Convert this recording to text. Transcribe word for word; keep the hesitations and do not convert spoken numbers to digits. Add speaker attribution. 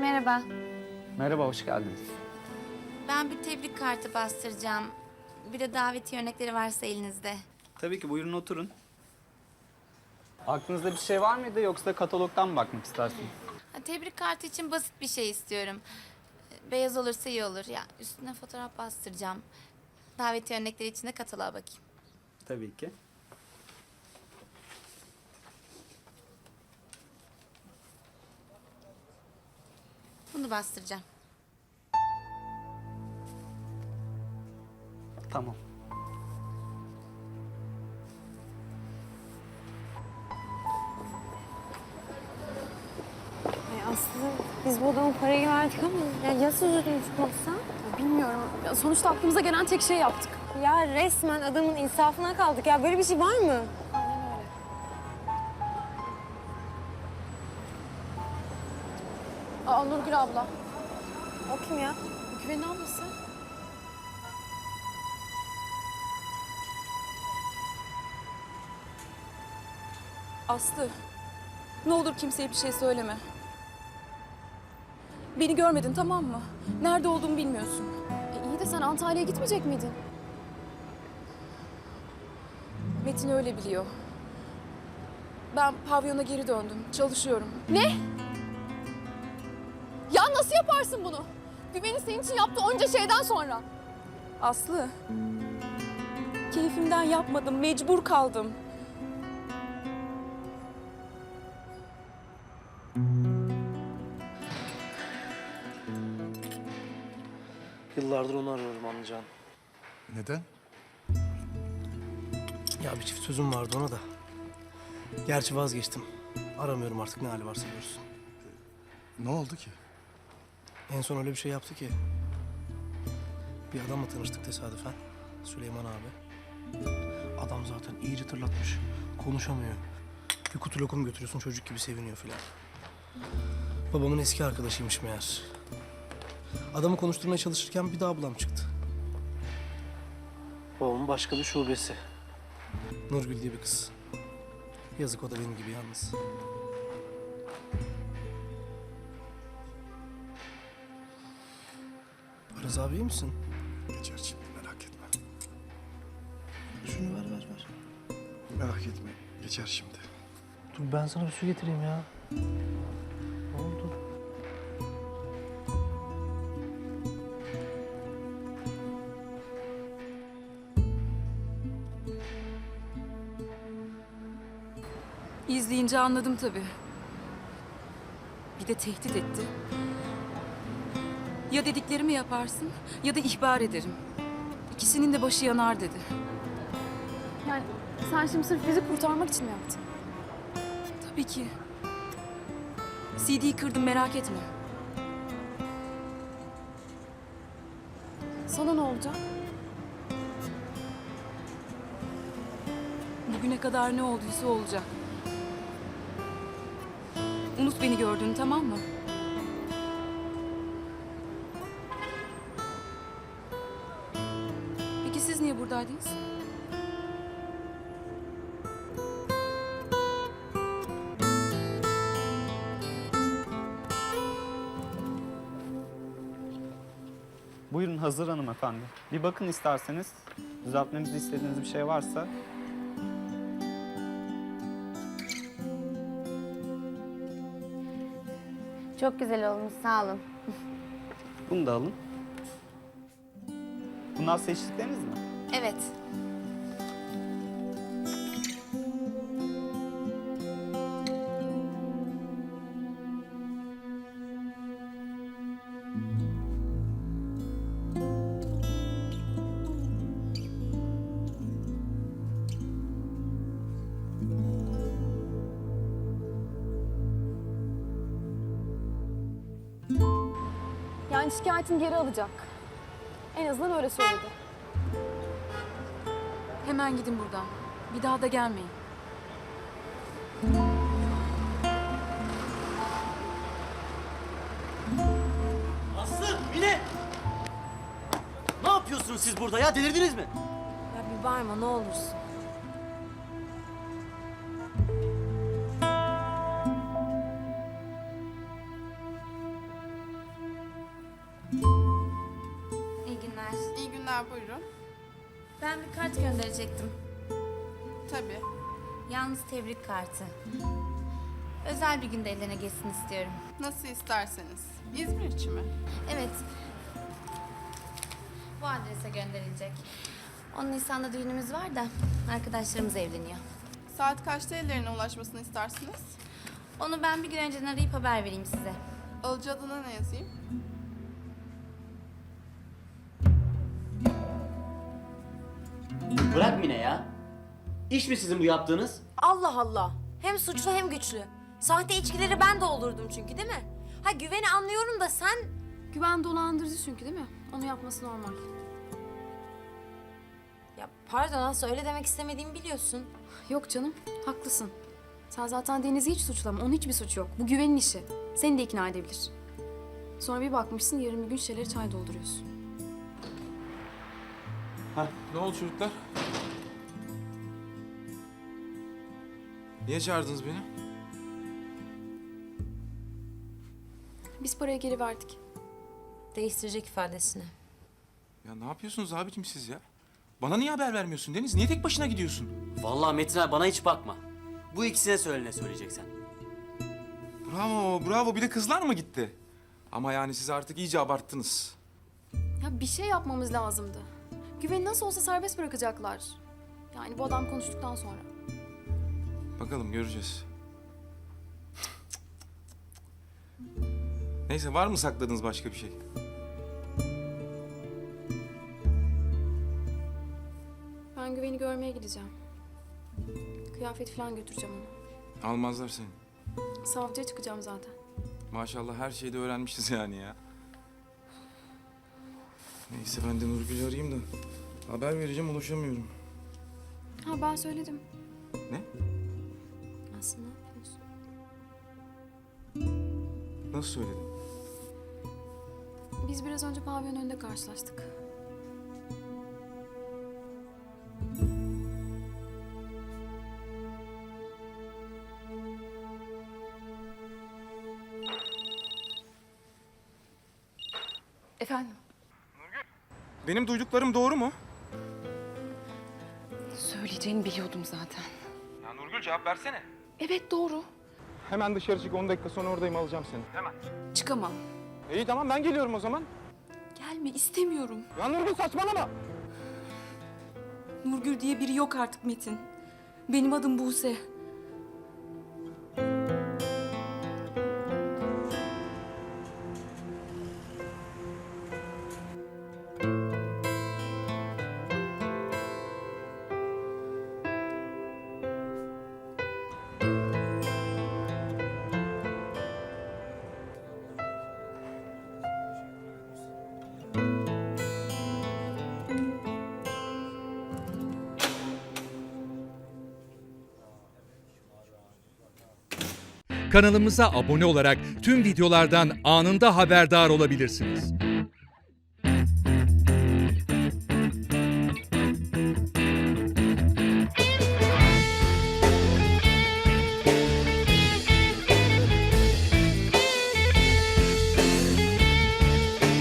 Speaker 1: Merhaba.
Speaker 2: Merhaba, hoş geldiniz.
Speaker 1: Ben bir tebrik kartı bastıracağım. Bir de davetiye örnekleri varsa elinizde.
Speaker 2: Tabii ki, buyurun oturun. Aklınızda bir şey var mıydı yoksa katalogdan mı bakmak istersiniz?
Speaker 1: Ha, tebrik kartı için basit bir şey istiyorum. Beyaz olursa iyi olur. Ya üstüne fotoğraf bastıracağım. Davetiye örnekleri için de kataloğa bakayım.
Speaker 2: Tabii ki.
Speaker 1: Bunu bastıracağım.
Speaker 2: Tamam.
Speaker 3: Ay Aslı, biz bu adama parayı verdik ama ya, ya sözünü tutmazsa?
Speaker 4: Ya bilmiyorum. Ya sonuçta aklımıza gelen tek şeyi yaptık.
Speaker 3: Ya resmen adamın insafına kaldık ya. Böyle bir şey var mı?
Speaker 4: Aa Nurgül abla.
Speaker 3: O kim ya?
Speaker 4: Güven'in ablası. Aslı. Ne olur kimseye bir şey söyleme. Beni görmedin, tamam mı? Nerede olduğumu bilmiyorsun. E iyi de sen Antalya'ya gitmeyecek miydin? Metin öyle biliyor. Ben pavyona geri döndüm. Çalışıyorum. Ne? Ya nasıl yaparsın bunu? Güven'in senin için yaptığı onca şeyden sonra. Aslı. Keyfimden yapmadım. Mecbur kaldım.
Speaker 5: Yıllardır onu arıyorum anlayacağın.
Speaker 6: Neden?
Speaker 5: Ya bir çift sözüm vardı ona da. Gerçi vazgeçtim. Aramıyorum artık, ne hali varsa görsün.
Speaker 6: Ne oldu ki?
Speaker 5: En son öyle bir şey yaptı ki. Bir adamla tanıştık tesadüfen. Süleyman abi. Adam zaten iyice tırlatmış. Konuşamıyor. Bir kutu lokum götürüyorsun, çocuk gibi seviniyor filan. Babamın eski arkadaşıymış meğer. Adamı konuşturmaya çalışırken bir daha ablam çıktı.
Speaker 7: Babamın başka bir şubesi.
Speaker 5: Nurgül diye bir kız. Yazık, o da benim gibi yalnız. Araz abi iyi misin?
Speaker 6: Geçer şimdi, merak etme.
Speaker 5: Şunu ver ver ver.
Speaker 6: Merak etme, geçer şimdi.
Speaker 5: Dur ben sana bir su getireyim ya. Ne oldu?
Speaker 4: İzleyince anladım tabii. Bir de tehdit etti. Ya dediklerimi yaparsın ya da ihbar ederim. İkisinin de başı yanar dedi. Yani sen şimdi sırf bizi kurtarmak için mi yaptın? Tabii ki. C D'yi kırdım, merak etme. Sana ne olacak? Bugüne kadar ne olduysa olacak. Unut beni gördüğünü, tamam mı? Peki siz niye buradaydınız?
Speaker 2: Buyurun, hazır hanımefendi. Bir bakın isterseniz. Düzeltmemizi istediğiniz bir şey varsa.
Speaker 1: Çok güzel olmuş, sağ olun.
Speaker 2: Bunu da alın. Bunlar seçtikleriniz mi?
Speaker 1: Evet.
Speaker 4: Yani şikayetini geri alacak. En azından öyle söyledi. Hemen gidin buradan. Bir daha da gelmeyin.
Speaker 7: Aslı, Mine! Ne yapıyorsunuz siz burada ya? Delirdiniz mi?
Speaker 3: Ya bir bağırma ne olursun.
Speaker 8: var buyurun.
Speaker 1: Ben bir kart gönderecektim.
Speaker 8: Tabii.
Speaker 1: Yalnız tebrik kartı. Özel bir günde ellerine geçsin istiyorum.
Speaker 8: Nasıl isterseniz. İzmir için mi?
Speaker 1: Evet. Bu adrese gönderilecek. on Nisan'da düğünümüz var da arkadaşlarımız evleniyor.
Speaker 8: Saat kaçta ellerine ulaşmasını istersiniz?
Speaker 1: Onu ben bir gün önceden arayıp haber vereyim size.
Speaker 8: Alıcı adına ne yazayım?
Speaker 7: Bırak Mine ya. İş mi sizin bu yaptığınız?
Speaker 3: Allah Allah. Hem suçlu hem güçlü. Sahte içkileri ben de olurdum çünkü değil mi? Ha güveni anlıyorum da sen...
Speaker 4: Güven dolandırıcı çünkü değil mi? Onu yapması normal.
Speaker 3: Ya pardon Aslı öyle demek istemediğimi biliyorsun.
Speaker 4: Yok canım, haklısın. Sen zaten Deniz'i hiç suçlama, onun hiçbir suçu yok. Bu güvenin işi. Seni de ikna edebilir. Sonra bir bakmışsın yarın bir gün şişeleri çay dolduruyorsun.
Speaker 9: Ne oldu çocuklar? Niye çağırdınız beni?
Speaker 4: Biz parayı geri verdik.
Speaker 3: Değiştirecek ifadesini.
Speaker 9: Ya ne yapıyorsunuz abicim siz ya? Bana niye haber vermiyorsun Deniz? Niye tek başına gidiyorsun?
Speaker 7: Vallahi Metin abi bana hiç bakma. Bu ikisine söyle ne söyleyeceksen.
Speaker 9: Bravo, bravo. Bir de kızlar mı gitti? Ama yani siz artık iyice abarttınız.
Speaker 4: Ya bir şey yapmamız lazımdı. Güveni nasıl olsa serbest bırakacaklar. Yani bu adam konuştuktan sonra.
Speaker 9: Bakalım göreceğiz. Neyse var mı sakladığınız başka bir şey?
Speaker 4: Ben Güven'i görmeye gideceğim. Kıyafet falan götüreceğim ona.
Speaker 9: Almazlar seni.
Speaker 4: Savcıya çıkacağım zaten.
Speaker 9: Maşallah her şeyi de öğrenmişiz yani ya. Neyse ben de Nurgül'ü arayayım da haber vereceğim, ulaşamıyorum.
Speaker 4: Ha ben söyledim.
Speaker 9: Ne?
Speaker 3: Aslı ne yapıyorsun?
Speaker 9: Nasıl söyledin?
Speaker 4: Biz biraz önce pavyon önünde karşılaştık. Efendim?
Speaker 9: Benim duyduklarım doğru mu?
Speaker 4: Söyleyeceğini biliyordum zaten.
Speaker 9: Ya Nurgül cevap versene.
Speaker 4: Evet doğru.
Speaker 9: Hemen dışarı çık, on dakika sonra oradayım, alacağım seni. Hemen.
Speaker 4: Çıkamam.
Speaker 9: İyi tamam ben geliyorum o zaman.
Speaker 4: Gelme istemiyorum.
Speaker 9: Ya Nurgül saçmalama.
Speaker 4: Nurgül diye biri yok artık Metin. Benim adım Buse.
Speaker 10: Kanalımıza abone olarak tüm videolardan anında haberdar olabilirsiniz.